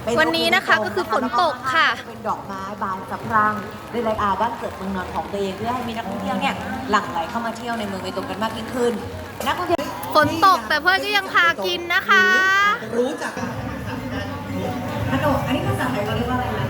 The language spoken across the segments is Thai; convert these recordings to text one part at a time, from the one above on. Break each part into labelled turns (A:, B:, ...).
A: วันนี้นะคะก็คือฝนตกค่ะ
B: เป็นดอกไม้บานสะพรั่งในรายการบ้านเกิดเมืองนอนของตัวเองเพื่อให้มีนักท่องเที่ยวเนี่ยหลั่งไหลเข้ามาเที่ยวในเมืองเบตงกันมากยิ่งขึ้นนักท่องเที่ยว
A: ฝนตกแต่เพื่อนก็ยังพากินนะคะ
C: รู้จัก
B: ขนมอันนี้ภาษาไทยเราเรียกว่าอะไรนะ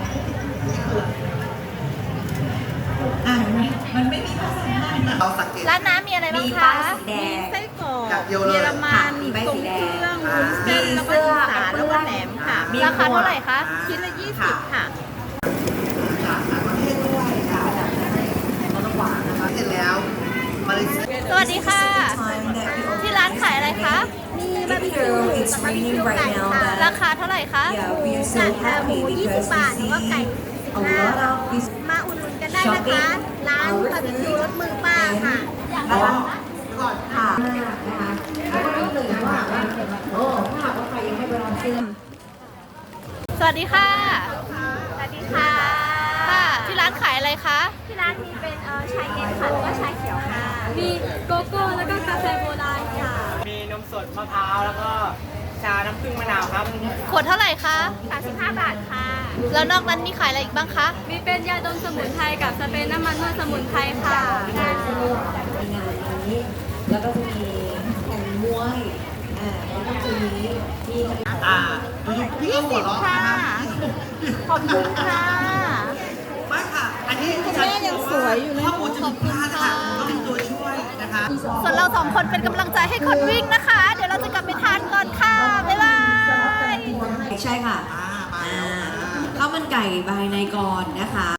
B: มันไม่มีภาษาไทย
C: เราสังเกต
A: ร้านน้ำมีอะไรบ้างคะ
B: มีไส้แดง
D: ไส้กรอก
C: จากเดียวเลย
D: เยอรมัน
B: มีใบ
D: ทรง
B: สีแด
D: เค
B: ง
D: รื่องวุ้นเส้นแล้วก็อีสานแล้วก็แหนมค่ะ
A: ราคาเท่าไหร่คะ
D: ชิ้นละ20ค่ะ
C: จากต่างประเทศด้วยค่ะ
B: เราต้องหวานนะคะ
C: เสร็จแล้วมาเลเซีย
A: สวัสดีค่ะ ที่ร้านขายอะไรคะ
D: มีบาร์บีคิวหมูกับบาร์บีคิวไก่ค่ะ
A: ราคาเท่าไหร่คะ
D: หมู20 บาทแล้วก็ไก่15มาอุดหนุนกันได้นะคะ ร้านบาร์บีคิวรสมือป้าค่ะ
B: นะคะค่ะนะคะแล้วก็รู้เลยว่าโอ้ถ้าหากว่าใครยังไม่ไปลองซื้อ
A: สวัสดีค่ะ
D: สวัสดีค่ะ
A: ค่ะ ที่ร้านขายอะไรคะ
D: ที่ร้านมีเป็นชาเย็นค่ะแล้วก็ชาเขียวค่ะ มีโกโก้แล้วก็กาแฟโบราณค่ะ
E: มีนมสดมะพร้าวแล้วก็ชาน้ำผึ้งมะนาวครับ
A: ขวดเท่าไหร่คะ
D: 35 บาทค่ะ
A: แล้วนอกนั้นมีขายอะไรอีกบ้างคะ
D: มีเป็นยาดมสมุนไพรกับสเปรย์น้ำมันนวดสมุนไพรค่ะ
B: ในงานนี้แล้วก็จะมีแข่งมวยแล้วก็จะมีที่
C: พี่ก็หัวเราะนะคะ
A: ขอบคุณค่ะ
C: ไม่ค่ะ อันนี้คุณแม่ยังสวยอยู่เลยข้อมูลจะผิดพลาดนะคะก็มีตัวช่วยนะคะ
A: ส่วนเราสองคนเป็นกำลังใจให้คนวิ่งนะคะ เดี๋ยวเราจะกลับไปทานก่อนค่ะ บ๊ายบาย
B: ใช่ค่ะ
C: มาแล้ว
B: ข้าวมันไก่ใบในกรนะคะ